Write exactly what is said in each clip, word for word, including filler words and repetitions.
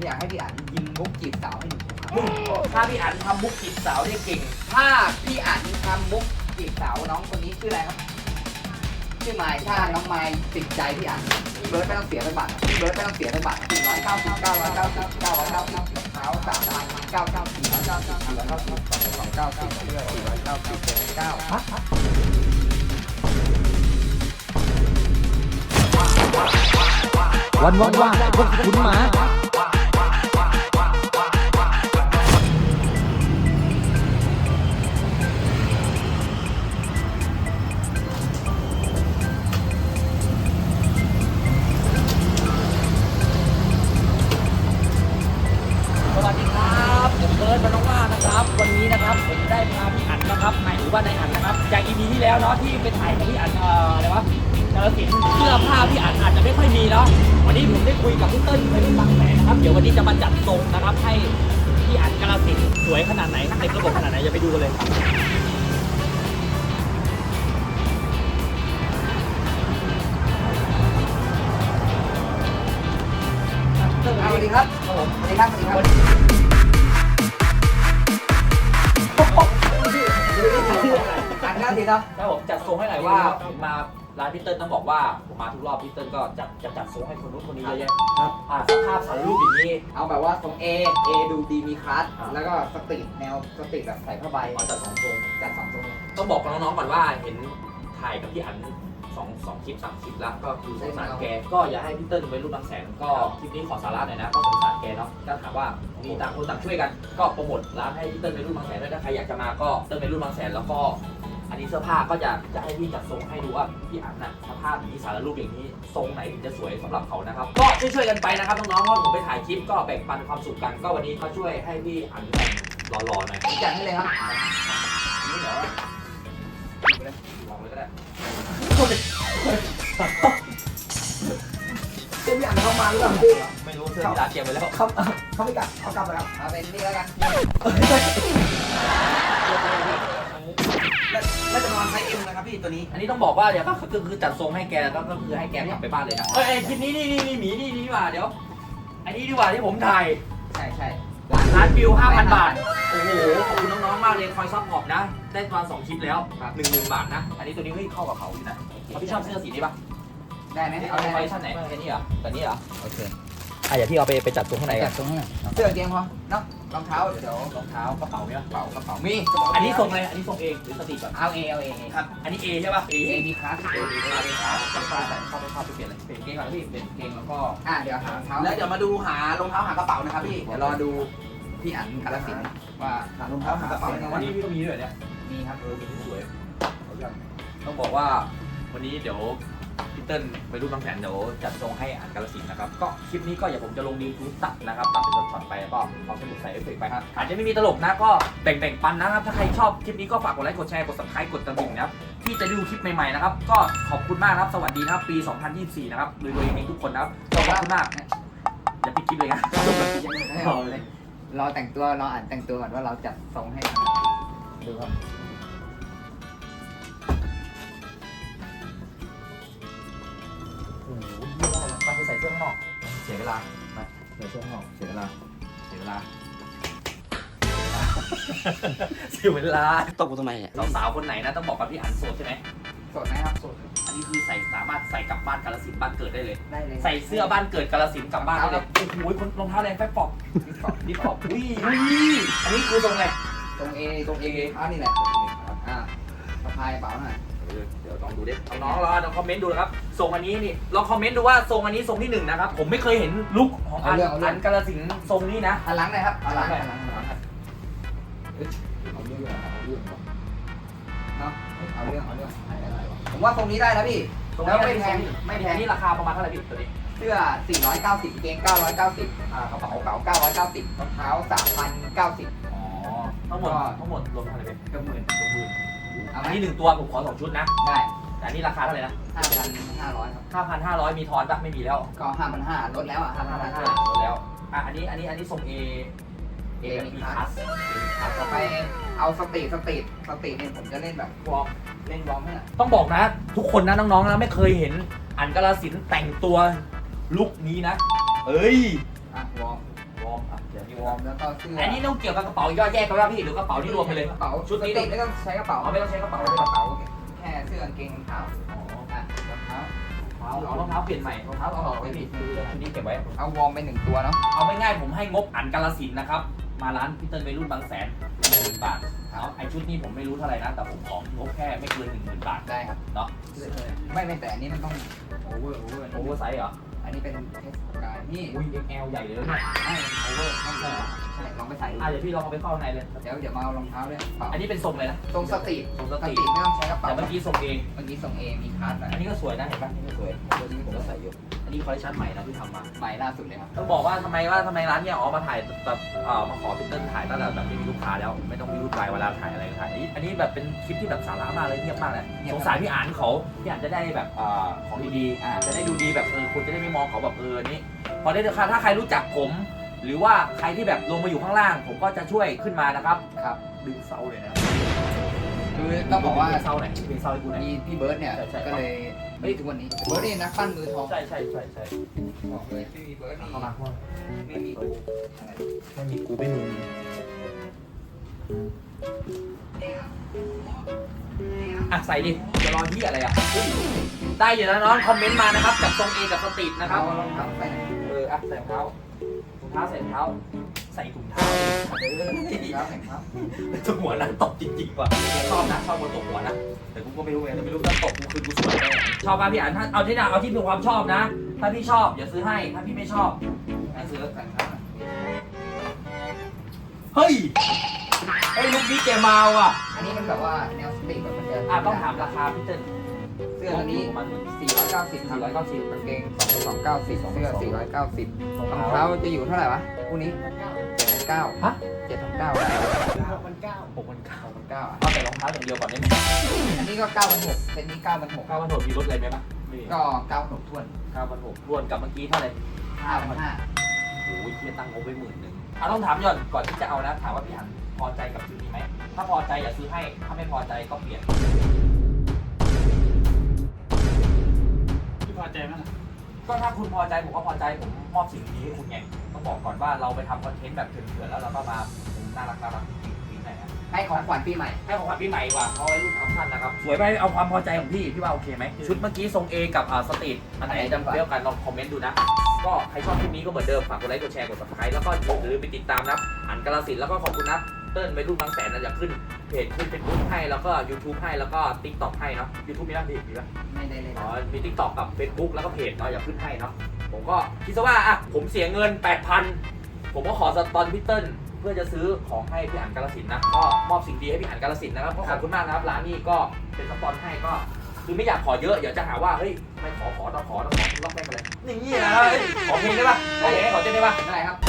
อยากให้พี่อันยิงมุกจีบสาวให้หนูถ้าพี่อันทำมุกจีบสาวได้เก่งถ้าพี่อันทำมุกจีบสาวน้องคนนี้ชื่ออะไรครับชื่อไมค์ถ้าน้องไมค์ติดใจพี่อันเบิร์ดไม่ต้องเสียไปบัตรเบิร์ดไม่ต้องเสียไปบัตรสี่ร้อยเก้าสิบเก้าร้อยเก้าสิบเก้าร้อยเก้าสิบเท้าสามพันเก้าเก้าสี่ร้อยเก้าสิบสี่ร้อยเก้าสิบสองสองเก้าสิบสี่ร้อยเก้าสิบเก้าวันว่างๆพวกคุณหมาสวัสดีครับผมเบิร์ดมาน้องว่านะครับวันนี้นะครับผมได้พาพี่อันนะครับหมายถึงว่าในอันนะครับจาก อี พี ที่แล้วเนาะที่ไปถ่ายกับพี่อันเอ่ออะไรวะกาฬสินธุ์เสื้อผ้าพี่อันอาจจะไม่ค่อยมีเนาะวันนี้ผมได้คุยกับพี่เติ้ลไปที่บางแสนนะครับเดี๋ยววันนี้จะมาจัดทรงนะครับให้พี่อันกาฬสินธุ์สวยขนาดไหนเต็มระบบขนาดไหนอย่าไปดูกันเลยสวัสดีครับสวัสดีครับสวัสดีครับอันนี้ทีเนาะแล้วผมจัดทรงให้หน่อยว่าผมมาร้านพี่เติ้ลต้องบอกว่าผมมาทุกรอบพี่เติ้ลก็จัดจะจัดทรงให้คนนู้นคนนี้เยอะแยะครับอ่าสภาพสารรูปอย่างนี้เอาแบบว่าทรง A A ดูดีมีคลาสแล้วก็สตรีทแนวสตรีทแบบใส่ผ้าใบมาจัดสองทรงจัดสองทรงต้องบอกกับน้องๆก่อนว่าเห็นถ่ายกับพี่อันสองสองคลิปสามคลิปแล้วก็คือสงสารแกก็อย่าให้พี่เติ้ลไปรูปบางแสนก็คลิปนี้ขอสาระหน่อยนะก็สงสารแกเนาะก็ถามว่ามีต่างคนต่างช่วยกันก็โปรโมทร้านให้พี่เติ้ลไปรูปบางแสนด้วยถ้าใครอยากจะมาก็เติ้ลไปรูปบางแสนแล้วก็อันนี้เสื้อผ้าก็จะจะให้พี่จัดทรงให้ดูว่าพี่อันน่ะสภาพอย่างนี้สารรูปอย่างนี้ทรงไหนถึงจะสวยสำหรับเขานะครับก็ช่วยๆกันไปนะครับน้องๆเพราะผมไปถ่ายคลิปก็แบ่งปันความสุขกันก็วันนี้มาช่วยให้พี่อันแต่งหล่อๆหน่อยจัดให้เลยครับนี่เดี๋ยวไปเลยลองเลยก็ได้เจ้าพี่อันเข้ามาหรือเปล่าพี่ไม่รู้เสื้อที่ร้านเตรียมไว้แล้วเขาเขาไม่กลับเขากลับไปแล้วเอาเป็นนี่แล้วกันน่าจะนอนไซส์เอ็มนะครับพี่ตัวนี้อันนี้ต้องบอกว่าเดี๋ยวก็คือคือจัดทรงให้แกแล้วก็คือให้แกกลับไปบ้านเลยนะเอ้ยคลิปนี้นี่นี่นี่หมีนี่นี่ดีกว่าเดี๋ยวอันนี้ดีกว่าที่ผมถ่ายใช่ใช่ร้านวิว ห้าพัน บาทโอ้โหขอบคุณน้องๆมากเลยคอยซัพพอร์ตนะได้ประมาณสองคลิปแล้วหนึ่งหมื่นบาทนะอันนี้ตัวนี้เฮ้ยเข้ากับเขาอยู่นะพี่ชอบเสื้อสีนี้ปะได้ไหมเอาเอาไปได้ชั้นไหนแค่นี้เหรอแบบนี้เหรอโอเคอ่ะอย่าพี่เอาไปไปจัดทรงข้างในกัจันดตรงนี้เสื้อเกงพอเนาะรองเท้าเดี๋ยวรองเท้ากระเป๋าเนี่ยกระเป๋ากระเป๋ามีอันนี้ทรงอะไรอันนี้ทรงเองหรือสตรีทก่อนเอาเอเอาเอครับอันนี้ A ใช่ป่ะ A เอดีคลาสเอดีคลาสเข้าไปใส่เข้าไปเข้าไปเปลี่ยนเลยเปลี่ยนเกงก่อนนะพี่เปลี่ยนเกงแล้วก็อ่ะเดี๋ยวหารองเท้าแล้วเดี๋ยวมาดูหารองเท้าหากระเป๋านะครับพี่เดี๋ยวรอดูพี่อันกาฬสินธุ์ว่าหารองเท้าหากระเป๋าวันะนนี้พี่ก็มีด้วยเนี่ยมีครับเออมีที่สวยต้องบอกว่าวันนี้เดี๋ยวพี่เติ้ลไปรูปบางแสนเดี๋ยวจัดทรงให้อ่านกาฬสินธุ์นะครับก็คลิปนี้ก็อย่าผมจะลงดีทูตัดนะครับตัดเป็นช็อตๆไปแล้วก็เอาสมุดใส่เอฟเฟกต์ไปครับอาจจะไม่มีตลกนะก็แบ่งๆปันนะครับถ้าใครชอบคลิปนี้ก็ฝากกดไลค์กดแชร์กด ซับสไครบ์ กดกระดิ่งนะครับที่จะดูคลิปใหม่ๆนะครับก็ขอบคุณมากนะครับสวัสดีนะครับปีสองพันยี่สิบสี่นะครับรวยๆเองทุกคนนะครับขอบคุณมากอย่าปิดคลิปเลยนะรอแต่งตัวรออ่านแต่งตัวก่อนว่าเราจัดทรงให้ดูครับโอ้โหยี่ห้ออะไรไปใส่เสื้อข้างนอกเสียเวลาไปใส่เสื้อข้างนอกเสียเวลาเสียเวลาเสียเวลาตบกูทำไมเนี่ยสาวๆคนไหนนะต้องบอกกับพี่อันโสดใช่ไหมสดนะครับสดอันนี้คือใส่สามารถใส่กลับบ้านกาฬสินธุ์บ้านเกิดได้เลยได้เลยใส่เสื้อบ้านเกิดกาฬสินธุ์กลับบ้านได้เลยโอ้โหคนรองเท้าแรงแฟบปอบดิฟปอบอุ้ยอุ้ยอันนี้คือตรงไหนตรงเอตรงเออ่ะนี่แหละอ่าสะพายกระเป๋าหน่อยเดี๋ยวลองดูดิน้องๆลองคอมเมนต์ดูนะครับทรงอันนี้นี่ลองคอมเมนต์ดูว่าทรงอันนี้ทรงที่หนึ่งนะครับผมไม่เคยเห็นลุคของอันอันกาฬสินธุ์ทรงนี้นะหันหลังหน่อยครับหันหลังหหันหลังหันหลังเอาเรื่องเอาเรื่องเนาะเอาเรื่องเอาเรื่องผมว่าตรงนี้ได้แล้วพี่แล้วไม่แพงไม่แพงนี่ราคาประมาณเท่าไหร่พี่ตัวนี้เสื้อสี่ร้อยเก้าสิบเกงเก้าร้อยเก้าสิบอ่ากระเป๋ากระเป๋าเก้าร้อยเก้าสิบรองเท้าสามพันเก้าสิบอ๋อทั้งหมดทั้งหมดรวมเท่าไหร่พี่ก็หมื่นสองหมื่นเอาไหมอันนี้หนึ่งตัวผมขอสองชุดนะได้แต่อันนี้ราคาเท่าไหร่นะห้าพันห้าร้อยครับห้าพันห้าร้อยมีทอนปะไม่มีแล้วก็ห้าพันห้าลดแล้วอ่ะห้าพัห้าน พันห้าห้าลดแล้วอ่ะอันนี้อันนี้อันนี้ทรง A เอ A มีมีคคลาลาสส คลาสต่อไปเอาสตรีทสตรีทสตรีทเนี่ยผมจะเล่นแบบวอร์มเล่นวอร์มให้หน่อยต้องบอกนะ ทุกคนนะน้องๆนะไม่เคยเห็นอันกาฬสินธุ์แต่งตัวลุคนี้นะเอ้ยอ่ะวอร์มวอร์มอ่ะเดี๋ยวมีววออร์ร์มมแล้วก็เสื้ออันนี้ต้องเกี่ยวกับกระเป๋าย่อยแยกกันว่าพี่หรือกระเป๋าที่รวมไปเลยกระเป๋าชุดนี้ติดไม่ต้องใช้กระเป๋าเอาไม่ต้องใช้กระเป๋าเอาเลยกระเป๋าแค่เสื้อกางเกงรองเท้าอ๋ออ่ะรองเท้าเอารองเท้าเปลี่ยนใหม่รองเท้าเอาออกไปพี่ชุดนี้เก็บไว้เอาวอร์มไปหนึ่งตัวเนาะเอาไม่ง่ายผมให้งบอันกาลสินธุ์นะครับมาร้านพี่เติ้ลวัยรุ่นบางแสนหนึ่งหมื่นบาทเอาไอชุดนี้ผมไม่รู้เท่าไหร่นะแต่ผมของงบแค่ไม่เกินหนึ่งหมื่นบาทได้ครับเนาะไม่ไม่แต่อันนี้มันต้องโอเวอร์โอเวอร์โอเวอร์ไซส์เหรออันนี้เป็นเทสกายนี่อุ้ย เอ็กซ์ แอล ใหญ่เลยเนี่ยไม่โอเวอร์ไม่ใช่ใช่ลองไปใส่ดูอ่ะเดี๋ยวพี่ลองเอาไปเข้าข้างในเลยเดี๋ยวเดี๋ยวมาเอารองเท้าด้วยกระเป๋าอันนี้เป็นทรงเลยนะตรงสตรีททรงสสตรีตรีทไม่ต้องใช้กระเป๋าแต่เมื่อกี้ทรงเองเมื่อกี้ส่งเอมีคัสอันนี้ก็สวยนะเห็นปะนี่ก็สวยตัวนี้ผมก็ใส่อยู่อันนี้คอลเลคชันใหม่นะที่ทำมาใหม่ล่าสุดเลยครับต้องบอกว่าทำไมว่าทำไมร้านเนี่ยอ๋อมาถ่ายแบบเอ่อมาขอพี่เติ้ลถ่ายตั้งแต่แบบไม่มีลูกค้าแล้วไม่ต้องมีลูกค้าเวลาถ่ายอะไรก็ถ่ายอันนี้อันนี้แบบเป็นคลิปที่แบบสาระมากเลยเงียบมากเลยสงสารพี่อ่านเขาพี่อ่านจะได้แบบเอ่อของดีๆอ่าจะได้ดูดีแบบเออคุณจะได้ไม่มองเขาแบบเออนี่พอได้ราคาถ้าใครรู้จักผม หรือว่าใครที่แบบลงมาอยู่ข้างล่าง ผมก็จะช่วยขึ้นมานะครับครับดึงเซาเลยนะคือต้องบอกว่าดึงเซาไหนดึงเซาให้กูหน่อยมีพี่เบิร์ดเนี่ยใช่ใช่ก็เลยเฮ้ยทุกวันนี้เบิร์ดนี่นักปั้นมือทองใช่ใช่ใช่ใช่บอกเลยพี่เบิร์ดนี่เข้ามาเข้ามาไม่มีกูไม่มีกูไม่มึงอ่ะใส่ดิจะรอที่อะไรอ่ะเฮ้ยได้อยู่นะน้องคอมเมนต์มานะครับกับทรงเอกับสตรีทนะครับเอารองเท้าไปไหนเอออ่ะใส่รองเท้ารองเท้าใส่รองเท้าใส่ถุงเท้าเออแล้วแข่งครับถุงหัวนะตบจริงๆว่ะชอบนะชอบคนตบหัวนะแต่กูก็ไม่รู้ไงแต่ไม่รู้ถ้าตบกูคือกูสวยแน่ชอบป่ะพี่อ่านถ้าเอาที่น่ะเอาที่มีความชอบนะ ถ้าพี่ชอบอย่าซื้อให้ถ้าพี่ไม่ชอบไม่ซื้อแข่งครับเฮ้ยไอ้ยลูกนี้แกมาว่ะอันนี้มันแบบว่าแนวสตรีทแบบมันจะอ่ะต้องถามราคาพี่เติ้ลเสื้อตัวนี้มันสี่ร้อยเก้าสิบครับสี่ร้อยเก้าสิบกางเกงสองสองเก้าสิบเสื้อสี่ร้อยเก้าสิบรองเท้าจะอยู่เท่าไหร่วะคู่นี้เจ็ดพันเก้าฮะเจ็ดพันเก้าหกพันเก้าหกพันเก้าหกพันเก้าเอาแต่รองเท้าอย่างเดียวก่อนได้ไหมอันนี้ก็เก้าพันหกเซตนี้เก้าพันหกเก้าพันหกมีลดอะไรไหมปะก็เก้าพันหกทวนเก้าพันหกรวมกับเมื่อกี้เท่าไหร่ห้าพันห้าโอ้ยเทียตั้งงบไว้หมื่นหนึ่งอ่ะต้องถามย้อนก่อนที่จะเอานะถามว่าพี่หันพอใจกับชุดนี้ไหมถ้าพอใจอย่าซื้อให้ถ้าไม่พอใจก็เปลี่ยนพี่พอใจไหมล่ะก็ถ้าคุณพอใจผมก็พอใจผมมอบสิ่งนี้ให้คุณไงต้องบอกก่อนว่าเราไปทำคอนเทนต์แบบเถื่อนๆแล้วเราก็มาน่ารักน่ารักปิ๊งๆหน่อยนะให้ของขวัญปีใหม่ให้ของขวัญปีใหม่ดีกว่าเอาไว้รุ่นเอาท่านนะครับสวยไปเอาความพอใจของพี่พี่ว่าโอเคไหมชุดเมื่อกี้ทรง A กับอ่าสตรีทอันไหนจำเปรี้ยวกันลองคอมเมนต์ดูนะก็ใครชอบคลิปนี้ก็เหมือนเดิมฝากกดไลค์กดแชร์กด ซับสไครบ์ แล้วก็อย่าลืมไปติดตามนะอันกาลสินธุ์แล้วก็ขอบคุณนะเติ้ลไปรุ่นบางแสนนะอยากขึ้นเพจขึ้นเฟซบุ๊กให้แล้วก็ YouTube ให้แล้วก็ TikTok ให้เนาะ YouTube มีบ้างดิมีบ้างไม่ได้เลยอ๋อมี TikTok กับ Facebook แล้วก็เพจเนาะอยากขึ้นให้เนาะผมก็คิดซะว่าอ่ะผมเสียเงิน แปดพัน ผมก็ขอสปอนพี่เติ้ลเพื่อจะซื้อของให้พี่อันกาลสินธุ์นะก็มอบสิ่งดีให้พี่อันกาลสินธุ์นะครับก็ขอบคุณมากนะครับร้านนี้ก็เป็นสปอนให้ก็คือไม่อยากขอเยอะเดี๋ยวจะหาว่าเฮ้ยไม่ขอขอต้องขอต้องขอล็อกแม่งกันเลยนี่นะขอเพลงได้ปะขอเพลงขอเต้นได้ปะได้ครับ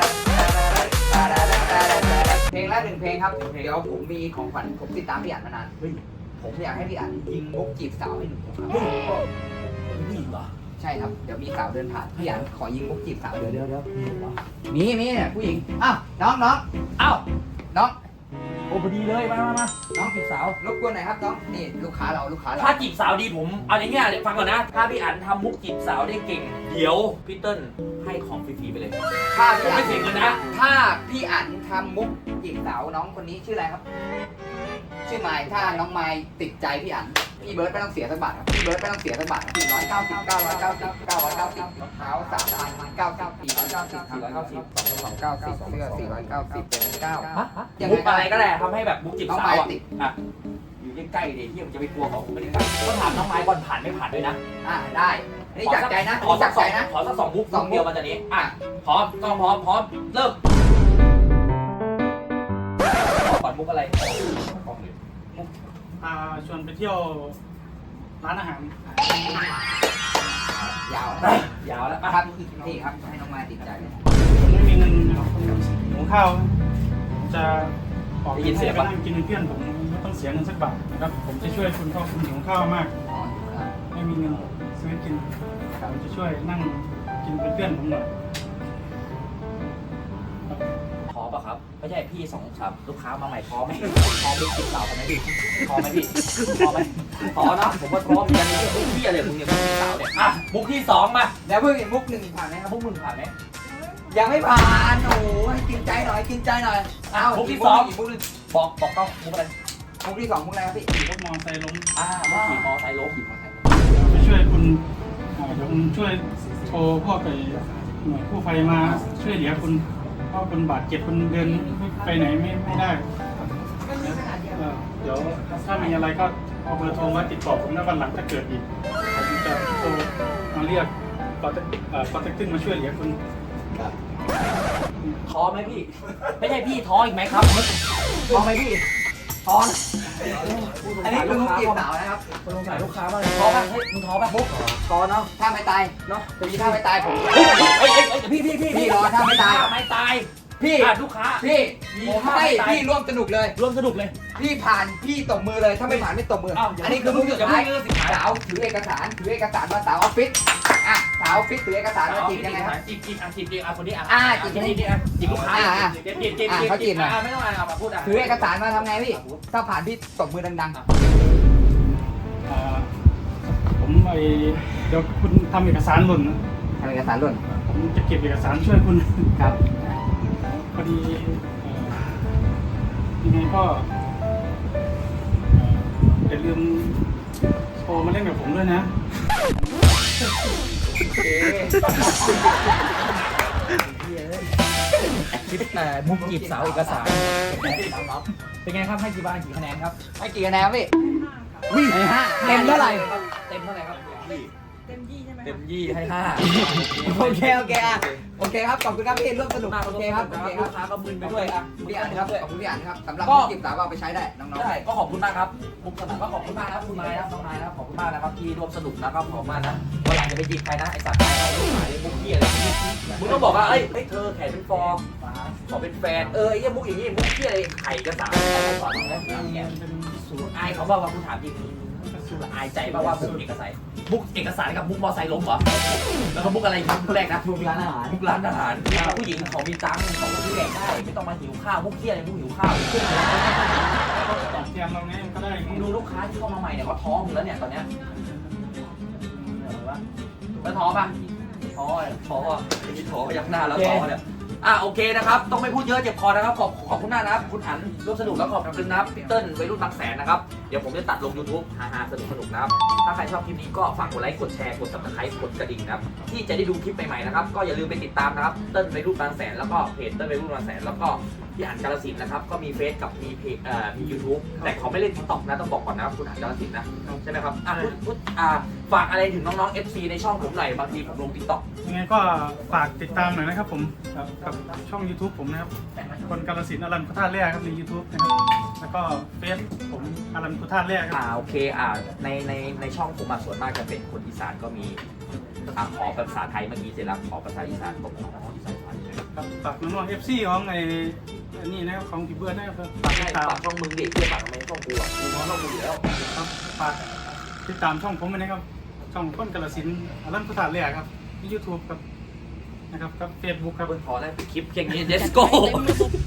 เพลงละหนึ่งเพลงครับเดี๋ยวผมมีของขวัญผมติดตามพี่อั๋นมานานเฮ้ยผมอยากให้พี่อั๋นยิงมุกจีบสาวให้หนึ่งคนครับนี่เหรอใช่ครับเดี๋ยวมีสาวเดินผ่านพี่อั๋นขอยิงมุกจีบสาวเดี๋ยวเดี๋ยวเดี๋ยวนี่เหรอมีมีเนี่ยผู้หญิงอ้าวน้องน้องอ้าวน้องโอ้พอดีเลยมามามาน้องจีบสาวรบกวนหน่อยครับน้องนี่ลูกค้าเราลูกค้าเราถ้าจีบสาวดีผมเอาอย่างเงี้ยฟังก่อนนะถ้าพี่อันทำมุกจีบสาวได้เก่งเดี๋ยวพี่เติ้ลให้ของฟรีๆไปเลยถ้าผมพี่อั๋ไม่นเสียเงินนะถ้าพี่อั๋นทำมุกจีบสาวน้องคนนี้ชื่ออะไรครับ ชื่อไมค์ถ้าน้องไมค์ติดใจพี่อั๋นพี่เบิร์ดไม่ต้องเสียสักบาทครับพี่เบิร์ดไม่ต้องเสียสักบาทสี่ร้อยเก้าสิบเก้าร้อยเก้าสิบเก้าร้อยเก้าสิบรองเท้าสามพันเก้าสิบสี่ร้อยเก้าสิบสี่ร้อยเก้าสิบสองเก้าสิบเสื้อสี่ร้อยเก้าสิบเป็นเก้าฮะมุกอะไรก็ได้ทำให้แบบมุกจีบน้องสาไมวค์อ่ะติดอ่ะอยู่ใกล้ๆดิที่ผมจะไปกลัวเขาผมไม่ได้กลัวก็ถามน้องไม้ก่อนผ่านไม่ผ่านด้วยนะอ่าได้อันนี้จากใจนะขอนี่สัจาก กสใจองนะขอสักสองมุกสองมุกเดียวมาจากนี้อ่ะพร้อมกล้องพร้อมพร้อมเริ่มขอก่อนมุกอะไรกล้องเลยพาชวนไปเที่ยวร้านอาหารยาวยาวแล้วอ่ะครับนี่ครับให้น้องไมค์ติดใจเลยผมไม่มีเงินหุงข้าวผมจะออกเงินให้ไปนั่งกินเป็นเพื่อนผมไม่ต้องเสียเงินสักบาทนะครับผมจะช่วยคุณพ่อคุณหิวข้าวมากอ๋อครับไม่มีเงินซื้อกินผมจะช่วยนั่งกินเป็นเพื่อนผมหน่อยพอป่ะครับไม่ใช่พี่สองสามลูกค้ามาใหม่พอไหมพอมุกจีบสาวกันไหมพี่พอไหมพี่พอไหมพอเนาะผมว่าพร้อมเหมือนกันนี่พี่อะไรมึงเนี่ยมุกจีบสาวเนี่ยอ่ะมุกที่สองมาแล้วเพิ่งมุกหนึ่งผ่านไหมครับพวกมึงผ่านไหมยังไม่ผ่านโอ้ยกินใจหน่อยกินใจหน่อยอ่ะเอามุกที่กสองกมุกหนึ่งบอกบอกเขามุกอะไรมุกที่สองมุกอะไรครับพี่ขี่รถมอเตอร์ไซค์ล้มอ่ามุกขี่มอไซค์ล้มไปช่วยคุณอ่าเดี๋ยวผมช่วยโทรพวกไอ้หน่วยกู้ภัยมาช่วยเหลือคุณเพราะคุณบาดเจ็บคุณเดินไปไหนไม่ไม่ได้เอ่อเดี๋ยวถ้ามีอะไรก็เอาเบอร์โทรมาติดต่อผมนะวันหลังถ้าเกิดอีกผมจะโทรมาเรียกคอนแทคเอ่อคอนแทคติ้งมาช่วยเหลือคุณท้อไหมพี่ ไม่ใช่พี่ท้ออีกไหมครับท้อไหมพี่ท้อนะอันนี้คือมุกจีบสาวนะครับคนลงสายลูกค้ามากเลยท้อป่ะเฮ้ยมึงท้อป่ะมุกกอเนาะถ้าไม่ตายเนาะจะมีถ้าไม่ตายผมเฮ้ยเฮ้ยเฮ้ยเฮ้ยพี่พี่พี่พี่รอถ้าไม่ตายไม่ตายพี่อ่ะลูกค้าพี่มีผมท่าให้ไม่ตายพี่ร่วมสนุกเลยร่วมสนุกเลยพี่ผ่านพี่ตบมือเลยถ้าไม่ผ่านไม่ตบมืออ้าวอย่าอันนี้คือมุกสุดท้ายอย่าเพิ่งเลือกสิท้ายสาวถือเอกสารถือเอกสารมาสาวออฟฟิศอ่ะสาวออฟฟิศถือเอกสารมาจีบยังไงครับจีบจีบอ่ะจีบจีบอ่ะคนนี้อ่ะอ่าจีบจีบจีบอ่ะจีบลูกค้าอ่าอ่าจีบจีบจีบอ่าเขาจีบหน่อยอ่ะไม่ต้องอ่านอ่ะมาพูดอ่ะถือเอกสารมาทำไงพี่ถ้าผ่านพี่ตบมือดังอ่าผมไอเดี๋ยวคุณทำเอกสารหล่นนะๆทำเอกสารหล่นผมจะเก็บเอกสารช่วยคุณครับพอดีเอ่อยังไงก็เอ่ออย่าลืมโทรมาเล่นกับผมด้วยนะคลิปแต่มุกจีบสาวเอกสารเป็นไงครับให้กี่บ้านกี่คะแนนครับให้กี่คะแนนพี่วิ่งให้ห้าเต็มเท่าไหร่เต็มเท่าไหร่ครับเต็มยี่ใช่ไหมเต็มยี่ให้ห้าโอเคโอเคอ่ะโอเคครับขอบคุณครับพี่ร่วมสนุกมากโอเคครับโอเคคลูรับกค้าก็มึนไปด้วยอ่ะพี่อ่านครับขอบคุณพี่อ่านครับสำหรับก็จีบสาวเอาไปใช้ได้น้องได้ก็ขอบคุณมากครับมุกสนานก็ขอบคุณมากนะครับคุณนายนะครับน้องนายนะครับขอบคุณมากนะครับที่ร่วมสนุกนะครับขอบคุณมากนะวันหลังจะไปจีบใครนะไอ้สัตว์ไอ้ลูกหายมุกเกี้ยอะไรมึงต้องบอกว่าเอ้ยเฮ้ยเธอแขนเป็นฟอร์ขอเป็นแฟนเออไอ้เหี้ยมุกอย่างงี้มุกเกี้ยอะไรไข่กระสานอะไรก่อนนะเนี่ยสูงอายเขาบ้างว่าคุณถามจริงสูงอายใจบ้างว่ามุกเอกสารมุกเอกสารกับมุกมอไซค์ล้มเหรอแล้วก็มุกอะไรมุกแรกนะๆทุกร้านอาหารมุกร้านอาหารผู้หญิงของมีตังค์ของที่แดกได้ไม่ต้องมาหิวข้าวมุกเกี้ยอะไรมุกหิวข้าวตอบแทนเราไงก็ได้มึงดูลูกค้าที่เข้ามาใหม่เนี่ยเขาท้องอยู่แล้วเนี่ยตอนเนี้ยไม่ท้อป่ะท้อท้อไม่มีท้อยักหน้าแล้วท้อเนี่ยอ่ะโอเคนะครับต้องไม่พูดเยอะเจ็บคอนะครับขอบขอบคุณมากนะครับคุณอันร่วมสนุกแล้วขอบคุณนะครับพี่เติ้ลวัยรุ่นบางแสนนะครับเดี๋ยวผมจะตัดลง YouTube ฮาๆสนุกสนุกนะครับถ้าใครชอบคลิปนี้ก็ฝากกดไลค์กดแชร์กด ซับสไครบ์ กดกระดิ่งนะครับที่จะได้ดูคลิปใหม่ๆนะครับก็อย่าลืมไปติดตามนะครับเติ้ลวัยรุ่นบางแสนแล้วก็เพจเติ้ลวัยรุ่นบางแสนแล้วก็พี่อันกาลสินธุ์นะครับก็มีเฟซกับมีเพจเอ่อมี YouTube แต่เขาไม่เล่น ทิกต็อก นะต้องบอกก่อนนะครับคุณอันกาลสินธุ์นะใช่ไหมครับอ่ะพูดพูดอ่าฝากอะไรถึงน้องๆ เอฟ ซี ในช่องผมหน่อยบางทีผมลง ทิกต็อกยังไงก็ฝากติดตามหน่อยนะครับผมครับกับช่อง YouTube ผมนะครับคนกาลสินธุ์อรันพุทธาแร่ครับใน YouTube นะครับแล้วก็เฟซผมอรันพุทธาแร่ครับอ่าโอเคอ่าในในในช่องผมอ่ะส่วนมากจะเป็นคนอีสานก็มีอ่าขอภาษาไทยเมื่อกี้เสร็จแล้วขอภาษาอีสานผมขออีสานไทยครับฝากน้องๆ เอฟ ซี ของไอ้อันนี้นะครับของพี่เบิร์ดนะครับฝากติใช่ดตามฝากช่องมึงดิเพื่อฝากทำไมช่องกูอ่ะกูน้องช่องกูอยู่แล้วครับฝากติดตามช่องผมด้วยนะครับช่องคนกาลสินธุ์อรันพุทธาแร่ครับที่ YouTube ครับนะครับกับ Facebook ครับพอแล้วคลิปแค่นี้ let's go